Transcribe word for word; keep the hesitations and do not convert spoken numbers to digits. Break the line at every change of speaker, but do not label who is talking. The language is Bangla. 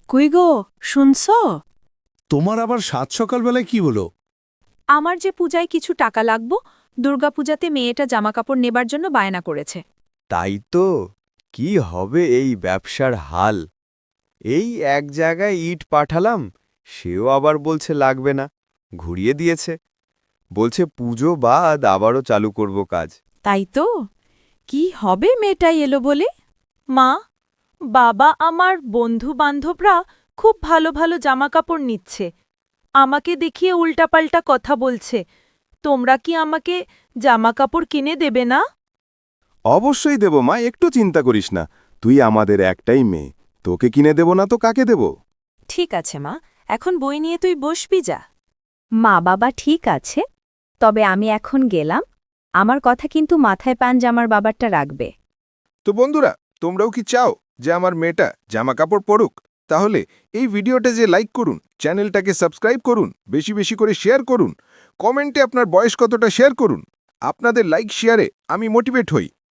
কই গো, শুনছ?
তোমার আবার সাত সকালবেলায় কি হলো?
আমার যে পূজায় কিছু টাকা লাগবো, দুর্গাপূজাতে মেয়েটা জামাকাপড় নেবার জন্য বায়না করেছে।
তাই তো, কি হবে এই ব্যবসার হাল। এই এক জায়গায় ইট পাঠালাম, সেও আবার বলছে লাগবে না, ঘুরিয়ে দিয়েছে। বলছে পুজো বাদ আবারও চালু করব কাজ।
তাই তো, কি হবে মেয়েটাই এলো বলে? মা, বাবা আমার বন্ধু বান্ধবরা খুব ভালো ভালো জামাকাপড় নিচ্ছে, আমাকে দেখিয়ে উল্টাপাল্টা কথা বলছে। তোমরা কি আমাকে জামাকাপড় কিনে দেবে না?
অবশ্যই দেব মা, একটু চিন্তা করিস না। তুই আমাদের একটাই মেয়ে, তোকে কিনে দেব না তো কাকে দেব?
ঠিক আছে মা, এখন বই নিয়ে তুই বসবি যা।
মা বাবা ঠিক আছে, তবে আমি এখন গেলাম। আমার কথা কিন্তু মাথায় পান যে আমার বাবারটা রাখবে।
তো বন্ধুরা, তোমরাও কি চাও যে আমার মেয়েটা জামা কাপড় পরুক? তাহলে এই ভিডিওটা যে লাইক করুন, চ্যানেলটাকে সাবস্ক্রাইব করুন, বেশি বেশি করে শেয়ার করুন, কমেন্টে আপনার বয়স কতটা শেয়ার করুন। আপনাদের লাইক শেয়ারে আমি মোটিভেট হই।